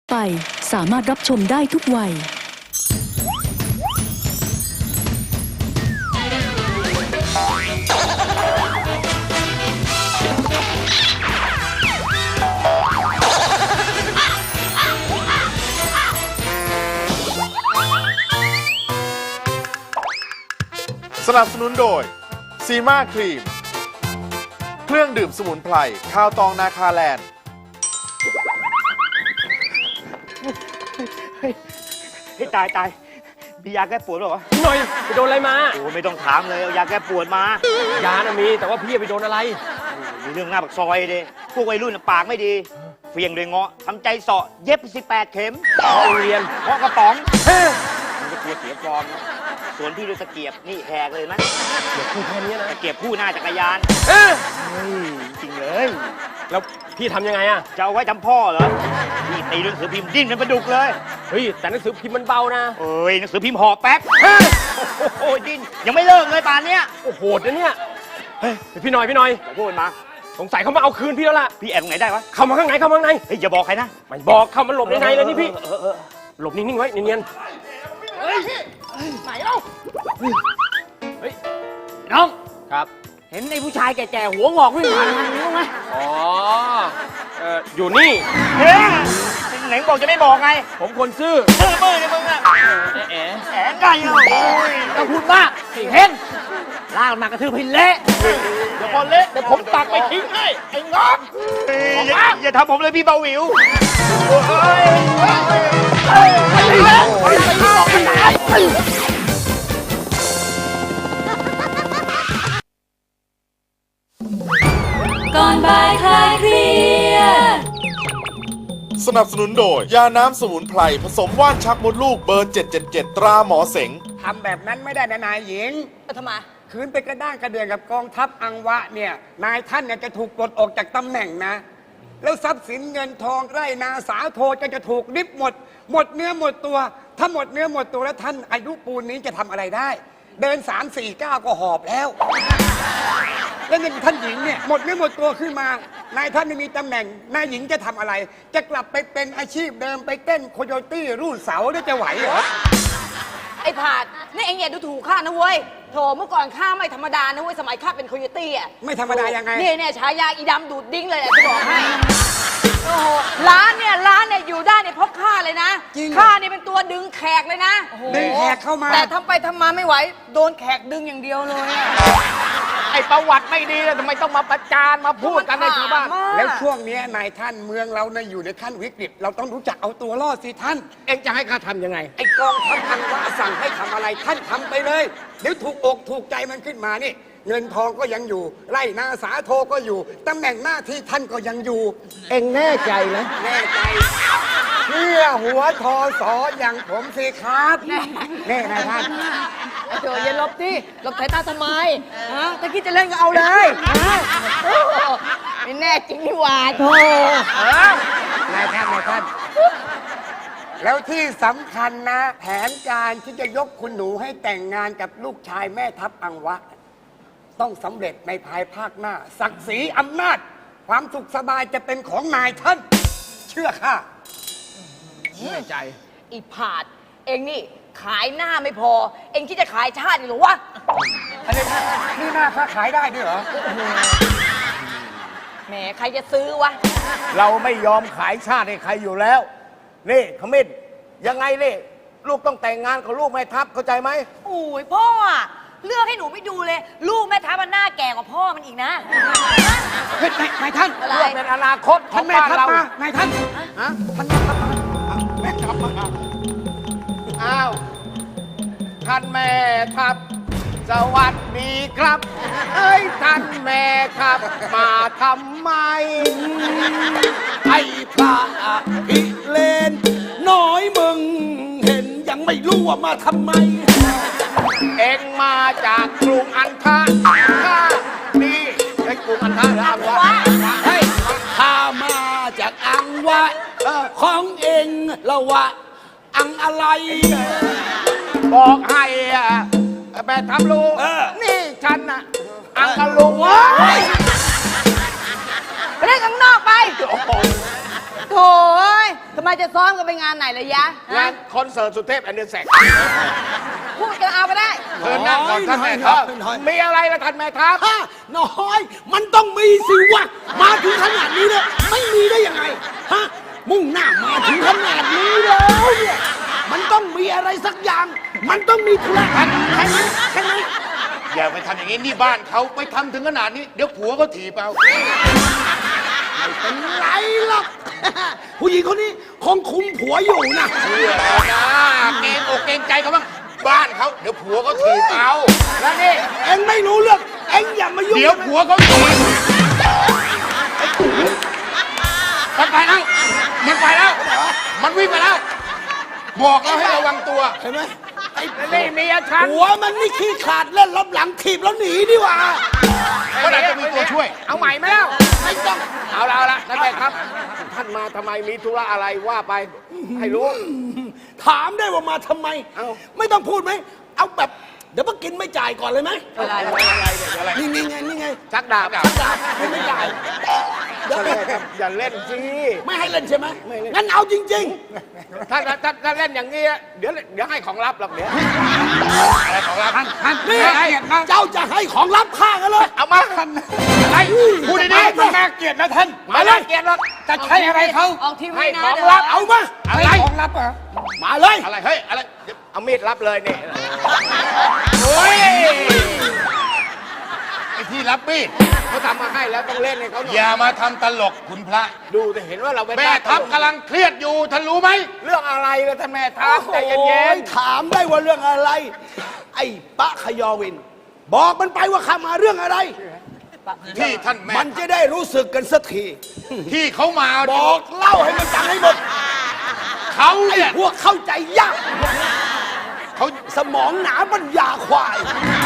ไปสามารถรับชมได้ทุกวัยสนับสนุนโดยซีมาครีมเครื่องดื่มสมุนไพรข้าวตองนาคาแลนด์ให้ตายมียาแก้ปวดหรอหน่อยไปโดนอะไรมาโอ้ไม่ต้องถามเลยเอายาแก้ปวดมายานะมีแต่ว่าพี่ไปโดนอะไรมีเรื่องหน้าปากซอยดิพวกวัยรุ่นน่ะปากไม่ดีเฟียงเลยเงาะทำใจเสาะเย็บ18 เข็มโรงเรียนเพราะกระป๋องมันจะกลัวเสียฟอร์มนะส่วนพี่ด้วยตะเกียบนี่แหกเลยไหมเดี๋ยวพูดแค่นี้นะตะเกียบคู่หน้าจักรยานเออจริงเลยแล้วพี่ทำยังไงอะจะเอาไว้จำพ่อเหรอพี่ตีหนังสือพิมพ์ดิ้นเป็นปลาดุกเลยเฮ้ยแต่หนังสือพิมพ์มันเบานะเอ้ยหนังสือพิมพ์ห่อแป๊บโอ้ยดิ้นยังไม่เลิกเลยป่านเนี้ยโอ้โหดนะเนี่ยเฮ้ยพี่หน่อยอย่าพูดมาสงสัยเขามาเอาคืนพี่แล้วล่ะพี่แอบตรงไหนได้วะเข้ามาข้างในเข้ามาข้างในเฮ้ยอย่าบอกใครนะไม่บอกเข้ามาหลบในเลยนี่พี่เออหลบนิ่งๆไว้เนียนไหนเล่าๆเฮ้ยน้องครับเห็นไอ้ผู้ชายแก่ๆหัวงอกวิ่งผ่านทางนี้บ้างไหมอ๋ออยู่นี่เฮ้ยไหนบอกจะไม่บอกไงผมคนซื่อเมื่อเนี่ยมึงอะแอะแหมไก่เหรอต้องพูดมากสิเห็นลากมากระทืบพินเละเดี๋ยวพอเละเดี๋ยวผมตักไปทิ้งให้ไอ้งอกอย่าทำผมเลยพี่เบาหวิวก่อนบ่ายคลายเครียดสนับสนุนโดยยาน้ำสมุนไพรผสมว่านชักมดลูกเบอร์ 777 ตราหมอเสงทำแบบนั้นไม่ได้นะนายหญิงทำไมคืนไปกระด้างกระเดืองกับกองทัพอังวะเนี่ยนายท่านเนี่ยจะถูกปลดออกจากตำแหน่งนะ แล้วทรัพย์สินเงินทองไร่นาสาโทจะถูกริบหมดเนื้อหมดตัว ถ้าหมดเนื้อหมดตัวแล้วท่านอายุปูนนี้จะทำอะไรได้ เดิน 3-4 ก้าวก็หอบแล้ว แล้วนี่ท่านหญิงเนี่ยหมดเนื้อหมดตัวขึ้นมานายท่านไม่มีตำแหน่งนายหญิงจะทำอะไร จะกลับไปเป็นอาชีพเดิมไปเต้นโคโยตี้รูดเสาได้จะไหวเหรอไอ้ผาดนี่เองอย่าดูถูกข้านะเว้ยโถเมื่อก่อนข้าไม่ธรรมดานะเว้ยสมัยข้าเป็นโคโยตี้อ่ะไม่ธรรมดายังไงเนี่ยฉายาอีดำดูดดิ้งเลยแหละจะบอกให้โอ้โหร้านเนี่ยอยู่ได้เนี่ยเพราะข้าเลยนะจริงเหรอข้าเนี่ยเป็นตัวดึงแขกเลยนะดึงแขกเข้ามาแต่ทำไปทำมาไม่ไหวโดนแขกดึงอย่างเดียวเลยอะไอประวัติไม่ดีแล้วทำไมต้องมาประจานมาพูดกันในชาวบ้านมันถามมากแล้วช่วงนี้นายท่านเมืองเราเนี่ยอยู่ในขั้นวิกฤต เราต้องรู้จักเอาตัวรอดสิท่าน เองจะให้ข้าทำยังไง ไอกองทัพอังวะสั่งให้ทำอะไรท่านทำไปเลย เดี๋ยวถูกอกถูกใจมันขึ้นมานี่ เงินทองก็ยังอยู่ ไร่นาสาโทก็อยู่ตำแหน่งหน้าที่ท่านก็ยังอยู่ เองแน่ใจนะแน่ใจเพื่อหัวทอสออย่างผมสิครับแน่นายท่านไอ้โถอย่าหลบดิหลบสายตาทำไมฮะถ้าคิดจะเล่นก็เอาเลยฮะโอ้โหไม่แน่จริงนี่หว่าโถนายท่านแล้วที่สำคัญนะ แผนการที่จะยกคุณหนูให้แต่งงานกับลูกชายแม่ทัพอังวะ ต้องสำเร็จในภายภาคหน้า ศักดิ์ศรีอำนาจ ความสุขสบายจะเป็นของนายท่าน เชื่อข้าแน่ใจอีผาดเองนี่ขายหน้าไม่พอ เองคิดจะขายชาติอีกเหรอวะอันนี้นี่หน้าข้าขายได้ด้วยเหรอแหมใครจะซื้อวะเราไม่ยอมขายชาติให้ใครอยู่แล้ว นี่ขมิ้นยังไงนี่ลูกต้องแต่งงานกับลูกแม่ทัพเข้าใจไหมโอ้ยพ่ออะเลือกให้หนูไม่ดูเลย ลูกแม่ทัพมันหน้าแก่กว่าพ่อมันอีกนะเฮ้ยนายท่านอะไรเพื่อเป็นอนาคตขอท่านงแม่บ้านทัพเรามานายท่านฮะท่านแม่ทัพมาแม่ทัพมาอ้าวท่านแม่ทัพสวัสดีครับ เอ้ยท่านแม่ทัพมาทำไมไอ้พระอภิเลนน้อยมึง เห็นยังไม่รู้ว่ามาทำไมเอ็งมาจากกรุงอันทะข้านี่ไอ้กรุงอันทะหรืออันวะเฮ้ยข้ามาจากอังวะของเองละวะ อังอะไรบอกให้แม่ทัพรู้ นี่ฉันน่ะ อังกะลุงไปเล่นข้างนอกไปโอ้โหโถ่เอ้ยทำไมจะซ้อมกันไปงานไหนเลยยะงานคอนเสิร์ตสุเทพแอนเดอร์แซกพูดกันเอาไปได้เชิญนั่งก่อนท่านแม่ทัพมีอะไรละท่านแม่ทัพฮะน้อย มันต้องมีสิวะ มาถึงขนาดนี้เนี่ยไม่มีได้ยังไง ฮะ มุ่งหน้ามาถึงขนาดนี้แล้วเนี่ย มันต้องมีอะไรสักอย่าง มันต้องมีธุระใช่ไหมใช่ไหมอย่าไปทำอย่างนี้นี่บ้านเขาไปทำถึงขนาดนี้ เดี๋ยวผัวก็ถีบเอาไม่เป็นไรหรอก ผู้หญิงคนนี้คงคุมผัวอยู่นะเชื่อแล้วนะเกรงอกเกรงใจเขาบ้างบ้านเขาเดี๋ยวผัวเขาถีบเอาแล้วนี่เอ็งไม่รู้เรื่อง เอ็งอย่ามายุ่งเดี๋ยวผัวเขาถีบมันไปแล้วมันไปแล้ว มันวิ่งไปแล้ว บอกแล้วให้ระวังตัวเห็นไหมไอ้นี่เมียฉันผัวมันนี่ขี้ขาดเล่นรับหลังถีบแล้วหนีดีกว่าก็อาจจะมีตัวช่วย เอาใหม่ไหมแล้วไม่ต้องเอาละนั่นแหละครับ ท่านมาทำไมมีธุระอะไรว่าไป ให้รู้ถามได้ว่ามาทำไมเอ้าไม่ต้องพูดไหม เอาแบบ เดี๋ยวมากินไม่จ่ายก่อนเลยไหมอะไรเนี่ยอะไรนี่ไง นี่ไงชักดาบจ่ายไม่จ่ายเดี๋ยวอย่าเล่นสิไม่ให้เล่นใช่ไหม งั้นเอาจริงถ้าเล่นอย่างนี้เดี๋ยวให้ของลับหรอกเดี๋ยวอะไรของลับท่านๆ นี่เจ้าจะให้ของลับข้ากันเลยเอามาอะไรพูดดีๆมันน่าเกลียดนะท่านมาเลยเกลียดหรอกจะใช้อะไรเขาออกทีวีให้นะของเดี๋ยวลับเอามาอะไรของลับเหรอมาเลยอะไรเฮ้ยอะไรเอามีดรับเลยนี่โอ้ยไอ้ที่รับมีดเขาทำมาให้แล้วต้องเล่นให้เขาหน่อยอย่ามาทำตลกคุณพระดูจะเห็นว่าเราแม่ทัพกำลังเครียดอยู่ท่านรู้ไหมเรื่องอะไรล่ะท่านแม่ทัพใจเย็นโอ้ยถามได้ว่าเรื่องอะไร ไอ้ปะขยอวิน บอกมันไปว่าข้ามาเรื่องอะไรๆที่ท่านแม่มันจะได้รู้สึกกันสักทีที่เขามาบอกเล่าให้มันจำให้หมดเขาไอ้เนี่ยพวกเข้าใจยากเขาสมองหนาปัญญาควาย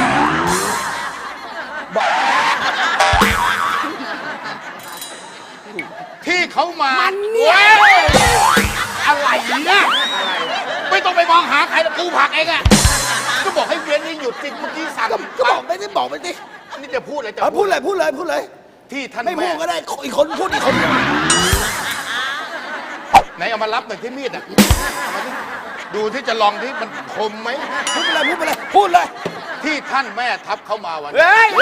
ที่เขามามันเนี่ยว้ยอะไรเนี่ยไม่ต้องไปมองหาใครแล้วกูผลักเองอะก็บอกให้เวียนนี่หยุดจริงเมื่อกี้สั่งก็บอกไม่ได้บอกไปดินี่จะพูดอะไรจะพูดเลยพูดเลยพูดเลยที่ท่านไม่พูแม่ดก็ได้อีกคนพูดอีกคนไหนเอามารับหน่อยที่มีดอะเอามาดิดูที่จะลองที่มันคมไหมพูดไปเลยพูดไปเลยพูดเลยที่ท่านแม่ทัพเข้ามาวันเฮ้ย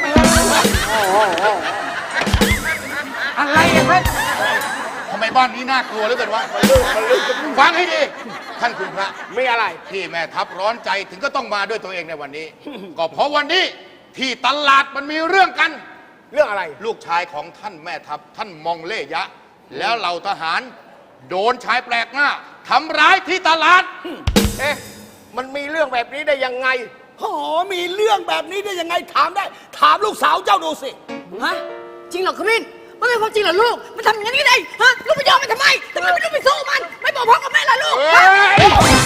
อะไรอะท่านทำไมบ้านนี้น่ากลัวเหลือเกินวะฟังให้ดีท่านคุณพระไม่อะไรที่แม่ทัพร้อนใจถึงก็ต้องมาด้วยตัวเองในวันนี้ ก็เพราะวันนี้ที่ตลาดมันมีเรื่องกัน เรื่องอะไร ลูกชายของท่านแม่ทัพท่านมองเล่ยะ แล้วเหล่าทหาร โดนชายแปลกหน้าทำร้ายที่ตลาด เอ๊ะมันมีเรื่องแบบนี้ได้ยังไงโอ้โหมีเรื่องแบบนี้ได้ยังไงถามได้ ถามลูกสาวเจ้าดูสิฮะจริงเหรอขมิ้นมันเป็นความจริงเหรอลูกมันทำอย่างนี้ได้ฮะลูกไปยอมมันทำไมทำไมไม่ต้องไปสู้มัน ไม่บอกพ่อกับแม่ล่ะลูกเฮ้ย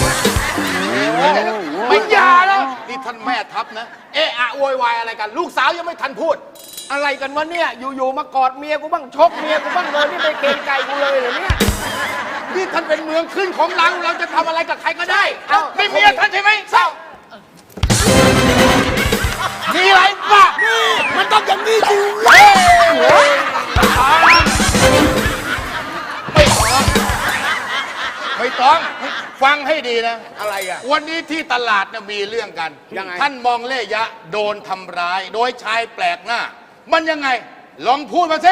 ไม่อยาแล้วนี่ท่านแม่ทัพนะ เอะอะโวยวายอะไรกัน ลูกสาวยังไม่ทันพูด อะไรกันวะเนี่ย อยู่ๆมากอดเมียกูบ้างชกเมียกูบ้างเลยนี่ไม่เกรงใจกูเลยเหรอเนี่ย นี่ท่านเป็นเมืองขึ้นของเราเราจะทำอะไรกับใครก็ได้ไม่เมียท่านใช่ไหมเศร้ามีอะไรบ้ามันต้องอย่างนี้สิไม่ต้องฟังให้ดีนะ อะไรอ่ะ วันนี้ที่ตลาดน่ะมีเรื่องกันยังไงท่านมองเล่ยะโดนทำร้าย โดยชายแปลกหน้า มันยังไง ลองพูดมาสิ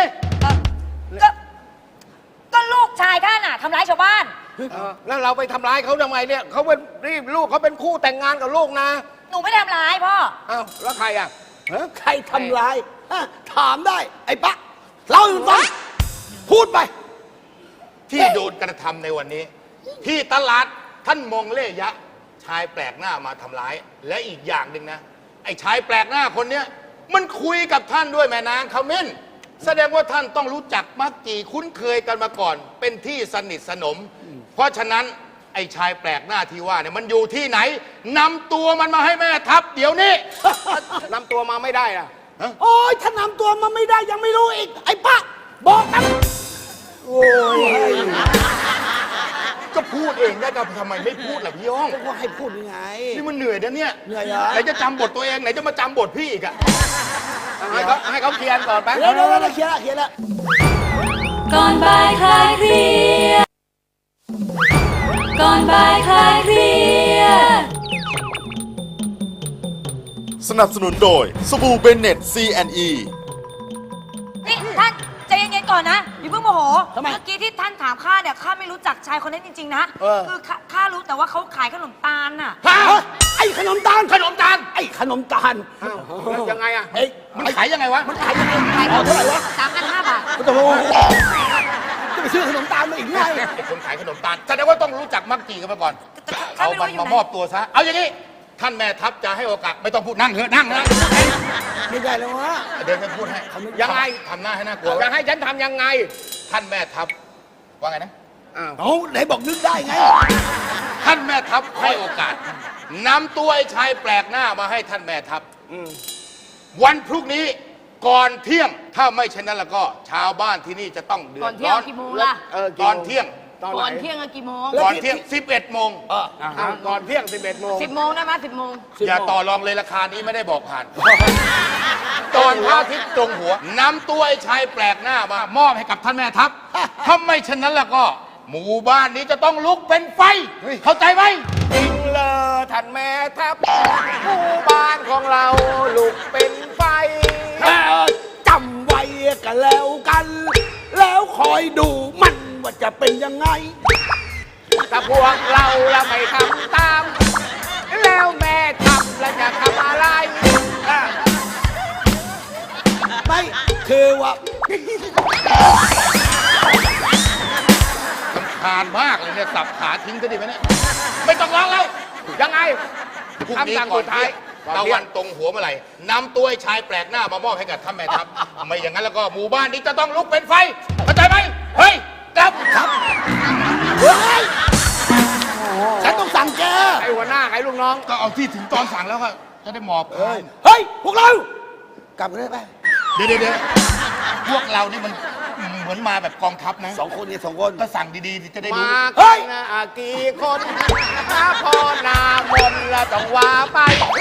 ก็ลูกชายท่านน่ะทำร้ายชาวบ้านแล้วเราไปทำร้ายเขาทำไมเนี่ยเขาเป็นลูกเขาเป็นคู่แต่งงานกับลูกนะหนูไม่ได้ทำร้ายพ่ออ้าวแล้วใครอ่ะใครทำร้ายฮะถามได้ ไอ้ปะเล่าให้มันฟังพูดไปที่โดนกระทำในวันนี้ ที่ตลาดท่านมองเล่ยะ ชายแปลกหน้ามาทำร้าย และอีกอย่างหนึ่งนะ ไอ้ชายแปลกหน้าคนเนี้ยมันคุยกับท่านด้วยแม่นางขมิ้นแสดงว่าท่านต้องรู้จักมักจีคุ้นเคยกันมาก่อน เป็นที่สนิทสนม เพราะฉะนั้นไอ้ชายแปลกหน้าที่ว่าเนี่ยมันอยู่ที่ไหนนำตัวมันมาให้แม่ทัพเดี๋ยวนี้ นำตัวมาไม่ได้อะโอ้ยถ้านำตัวมาไม่ได้ยังไม่รู้อีก ไอ้ปะบอกกันโอ้ยก็พูดเองได้ก็ทำไมไม่พูดล่ะพี่ย่องก็ให้พูดยังไงนี่มันเหนื่อยนะเนี่ยเหนื่อยเหรอไหนจะจำบทตัวเองไหนจะมาจำบทพี่อีกอะให้เขาเคลียร์ก่อนไปเดี๋ยวเคลียร์ละก่อนบ่ายคลายเครียดก่อนบ่ายคลายเครียดสนับสนุนโดยสบู่เบนเน็ต C&E นี่ท่านใจเย็นๆก่อนนะอย่าเพิ่งโมโหทำไมเมื่อกี้ที่ท่านถามข้าเนี่ยข้าไม่รู้จักชายคนนั้นจริงๆนะ คือข้ารู้แต่ว่าเขาขายขนมตาลน่ะฮะไอ้ขนมตาลขนมตาลไอ้ขนมตาลแล้วยังไงอ่ะเฮ้ยมันขายยังไงวะมันขายยังไงขายเอาเท่าไหร่วะ 3,500 บาทโอ้โหจะไปซื้อขนมตาลมาอีกไงไอ้คนขายขนมตาลแสดงว่าต้องรู้จักมักจีกันมาก่อนข้าเอาไม่รู้มันอยู่มาไหนมอบตัวซะ เอาอย่างนี้ ท่านแม่ทัพจะให้โอกาสไม่ต้องพูดนั่งเถอะนั่งนะไม่ได้แล้ววะเดินไปพูดให้ยังไงทำหน้าให้น่ากลัวจะให้ฉันทำยังไงท่านแม่ทัพว่าไงนะเอาไหนบอกนึกได้ไงท่านแม่ทัพให้โอกาสนำตัวไอ้ชายแปลกหน้ามาให้ท่านแม่ทัพวันพรุ่งนี้ก่อนเที่ยงถ้าไม่เช่นนั้นแล้วก็ชาวบ้านที่นี่จะต้องเดือก่อดนเที่ยร้งอนกี่โมงล่ะตอนเที่ยงก่อนเที่ยงอะกี่โมงก่อนเที่ยง 11 โมงก่อนเที่ยง 11 โมง 10 โมงได้ไหม10 โมงอย่าต่อรองเลยราคานี้ไม่ได้บอกผ่าน ตอนพระอาทิตย์ตรงหัวนำตัวไอ้ชายแปลกหน้ามามอบให้กับท่านแม่ทัพถ้าไม่เช่นนั้นแล้วก็ หมู่บ้านนี้จะต้องลุกเป็นไฟ เข้าใจไหมจริงเลยท่านแม่ทัพหมู่บ้านของเราลุกเป็นไฟจำไว้กันแล้วกัน แล้วคอยดูมันว่าจะเป็นยังไงถ้าพวกเราไม่ทำตาม แล้วแม่ทำแล้วจะทำอะไรไม่คือว่าผ่านมากเลยเนี่ยสับขาทิ้งก็ดีไหมเนี่ยไม่ต้องร้องแล้วยังไงพรุ่งนี้คำสั่งก่อสุนดท้าเที่ยยงตะวันตรงหัวเมื่อไหร่นำตัวไอ้ชายแปลกหน้ามามอบให้กับท่านแม่ทัพไม่อย่างนั้นแล้วก็หมู่บ้านนี้จะต้องลุกเป็นไฟเข้าใจไหมเฮ้ยกลับเฮ้ยฉันต้องสั่งแกไอ้หัวหน้าไอ้ลูกน้องก็เอาที่ถึงตอนสั่งแล้วก็จะได้หมอบคายเฮ้ย พวกเรา กลับกันได้ไหมเดี๋ยวพวกเรานี่มันเหมือนมาแบบกองทัพนะสองคนเนี่ยสองคนก็สั่งดีๆจะได้รู้มาเฮ้กัยนนะกี่คนถ้าพอนามนแล้วต้องว่าไป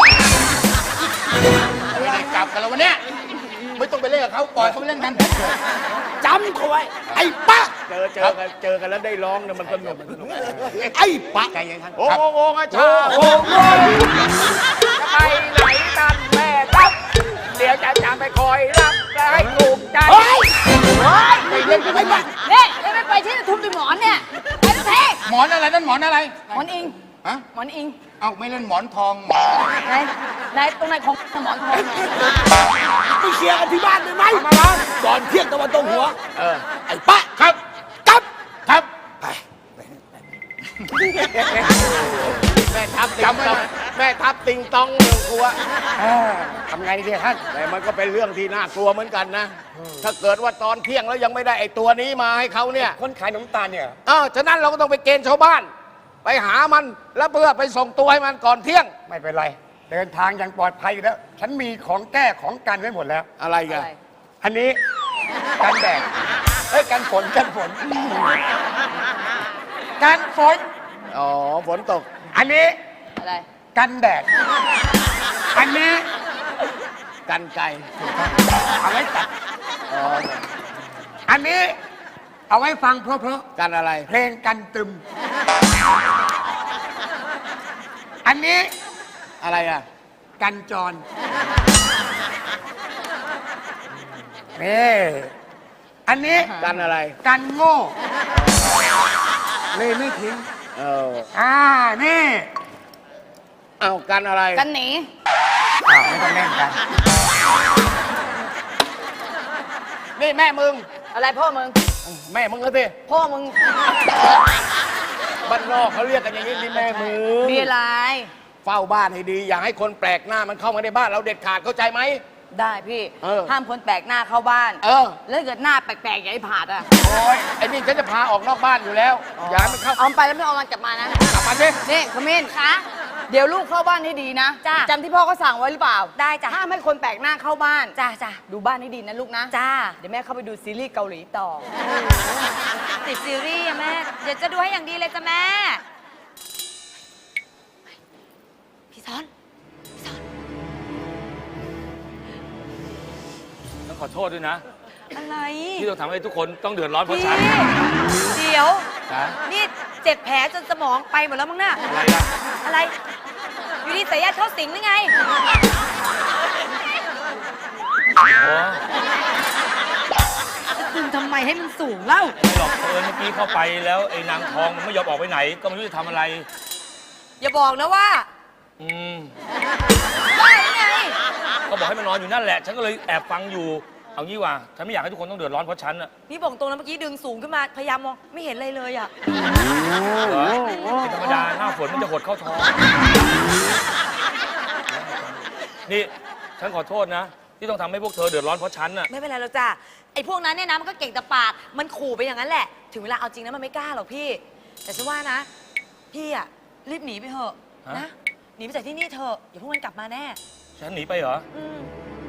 ไม่ได้กลับกันแล้ววันเนี้ยไม่ต้องไปเล่นกับเขาปล่อยเขาไปเล่นกันจำเขาไว้ ไอ้ป๊ะเจอกันแล้วได้ร้องเนี่ยมันสนุกไอ้ป๊ะโอ้โหอาชาโอ้โหจะไปไหนกันแม่ทัพเดี๋ยวจะจำไปคอยรับและให้ถูกใจเฮ้ยไม่เล่นกันไอ้ไม่ป๊ะนี่ไม่ไปที่จะทุบด้วยหมอนเนี่ย ไปทุกทีหมอนอะไรนั่นหมอนอะไรหมอนอิงฮะหมอนอิงเอาไม่เล่นหมอนทองไหนตรงไหนของหมอนทองเนี่ยไปเคลียร์กันที่บ้านได้ไหมก่อนเที่ยงตะวันตกหัว ไอ้ป๊ะครับกลับครับแม่ทัพจำไว้แม่ทัพติงตองเมืองครัวทำไงดีท่านแต่มันก็เป็นเรื่องที่น่ากลัวเหมือนกันนะ ถ้าเกิดว่าตอนเที่ยงแล้วยังไม่ได้ไอ้ตัวนี้มาให้เขาเนี่ยคนขายขนมตาลเนี่ยฉะนั้นเราก็ต้องไปเกณฑ์ชาวบ้าน ไปหามันแล้วเพื่อไปส่งตัวให้มันก่อนเที่ยงไม่เป็นไร เดินทางอย่างปลอดภัยอยู่แล้ว ฉันมีของแก้ของกันไว้หมดแล้วอะไรกันอะไรอันนี้กันแดดกันฝนกันฝนกันฝนฝนตกอันนี้อะไรกันแดด อันนี้กันไก่เอาไว้ตัดอันนี้ เอาไว้ฟังเพราะกันอะไรๆเพลงกันตึม อันนี้อะไรอ่ะกันจรนี่อันนี้กันอะไรกันโง่เลยไม่ทิ้งนี่เอากันอะไรกันหนีไม่ต้องเล่นกันนี่แม่มึงอะไรพ่อมึงแม่มึงก็สิพ่อมึงบ้านนอกเขาเรียกกันอย่างนี้นี่แม่มึงมีอะไรเฝ้าบ้านให้ดี อย่าให้คนแปลกหน้ามันเข้ามาในบ้านเราเด็ดขาดเข้าใจไหมได้พี่เออห้ามคนแปลกหน้าเข้าบ้านแล้วแล้วเกิดหน้าแปลกๆอย่างไอ้ผาดอ่ะโอ้ยไอ้นี่ฉันจะพาออกนอกบ้านอยู่แล้ว อย่าให้มันเข้าเอาไปแล้วไม่เอามันกลับมานะกลับมาสินี่ขมิ้นคะเดี๋ยวลูกเข้าบ้านให้ดีนะจ้ะจำที่พ่อเขาสั่งไว้หรือเปล่าได้จ้ะห้ามให้คนแปลกหน้าเข้าบ้านจ้าจ้าดูบ้านให้ดีนะลูกนะจ้าเดี๋ยวแม่เข้าไปดูซีรีส์เกาหลีต่อติดซีรีส์อะแม่ เดี๋ยวจะดูให้อย่างดีเลยจ้ะแม่ พี่ซ้อนต้องขอโทษด้วยนะอะไรที่ต้องทำให้ทุกคนต้องเดือดร้อนเพราะพี่ฉันเดี๋ยวนะนี่เจ็บแผลจนสมองไปหมดแล้วมั้งน่ะอะไรล่ะอะไร อยู่ดีสายญาติเข้าสิงหรือไงอ๋อจะดึงทำไมให้มันสูงเล่าไม่หรอกเมื่อกี้เข้าไปแล้วไอ้นางทองมันไม่ยอมออกไปไหน ก็ไม่รู้จะทำอะไรอย่าบอกนะว่าอืมได้ไงก็บอกให้มันนอนอยู่นั่นแหละ ฉันก็เลยแอบฟังอยู่ เอางี้ว่าฉันไม่อยากให้ทุกคนต้องเดือดร้อนเพราะฉันอะนี่บอกตรงนะเมื่อกี้ดึงสูงขึ้นมา พยายามมองไม่เห็นอะไรเลยอ่ะเหรอเป็นธรรมดาหน้าฝนมันจะหดเข้าท้อง นี่ฉันขอโทษนะ ที่ต้องทำให้พวกเธอเดือดร้อนเพราะฉันอะไม่เป็นไรหรอกจ้ะ ไอ้พวกนั้นเนี่ยนะมันก็เก่งแต่ปาก มันขู่ไปอย่างนั้นแหละ ถึงเวลาเอาจริงนะมันไม่กล้าหรอกพี่ แต่ฉันว่านะ พี่อะรีบหนีไปเถอะนะ หนีไปจากที่นี่เถอะอย่าพวกมันกลับมาแน่ฉันหนีไปเหรออืม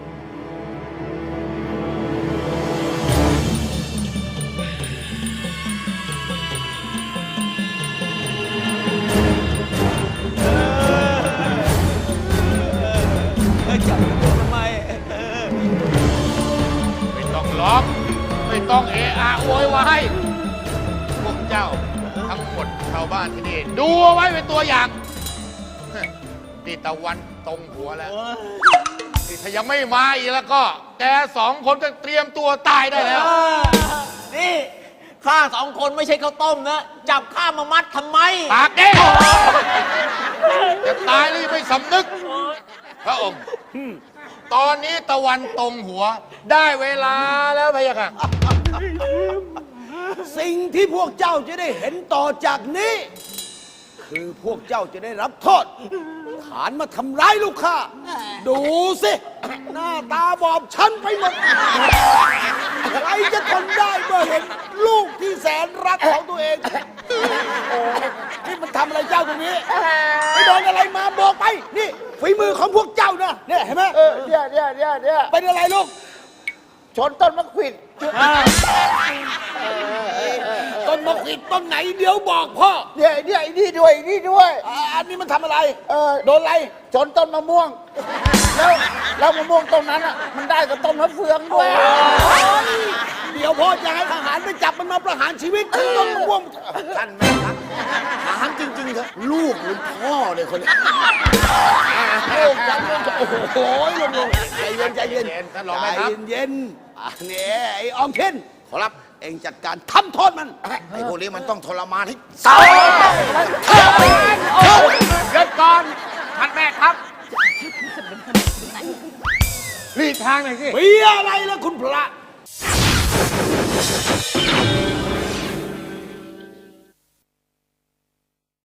ไม่ต้องร้องไม่ต้องเอะอะโวยวายพวกเจ้าทั้งหมดชาวบ้านที่นี่ดูเอาไว้เป็นตัวอย่างตีตะวันตรงหัวแล้วนี่ถ้ายังไม่มาอีกแล้วก็ แกสองคนก็เตรียมตัวตายได้แล้วนี่ข้าสองคนไม่ใช่ข้าวต้มนะ จับข้ามามัดทำไมปากเด้จะตายหรือไม่สำนึก พระองค์ ตอนนี้ตะวันตรงหัว ได้เวลาแล้วพะยะค่ะสิ่งที่พวกเจ้าจะได้เห็นต่อจากนี้ คือพวกเจ้าจะได้รับโทษ ฐานมาทำร้ายลูกข้า ดูสิ หน้าตาบอบช้ำไปหมด ใครจะทนได้เมื่อเห็นลูกที่แสนรักของตัวเอง โอ้นี่มันทำอะไรเจ้าตรงนี้ไปโดนอะไรมาบอกไป นี่ฝีมือของพวกเจ้านะเนี่ยเห็นไหมเนี่ยเป็นอะไรลูก ชนต้นมะขวิดต้นมะขวิดต้นไหนเดี๋ยวบอกพ่อเนี่ยนี่ด้วยอันนี้มันทำอะไรโดนอะไรชนต้นมะม่วงแล้วมะม่วงต้นนั้นอ่ะมันได้กับต้นมะเฟืองด้วยเดี๋ยวพ่อจะให้ทหารไปจับมันมาประหารชีวิตที่ต้นมะม่วงท่านแม่ครับถามจริงๆเถอะลูกหรือพ่อเลยคนนี้ลูกจังโอ้โหลงใจเย็นท่านรองแม่ครับเย็นนี่ไอ้ออมเคนขอรับเองจัดการทำโทษมันไอ้พวกนี้มันต้องทรมานให้สาเกิดก่อนท่านแม่ครับรีบทางหน่อยสิมีอะไรล่ะคุณพระ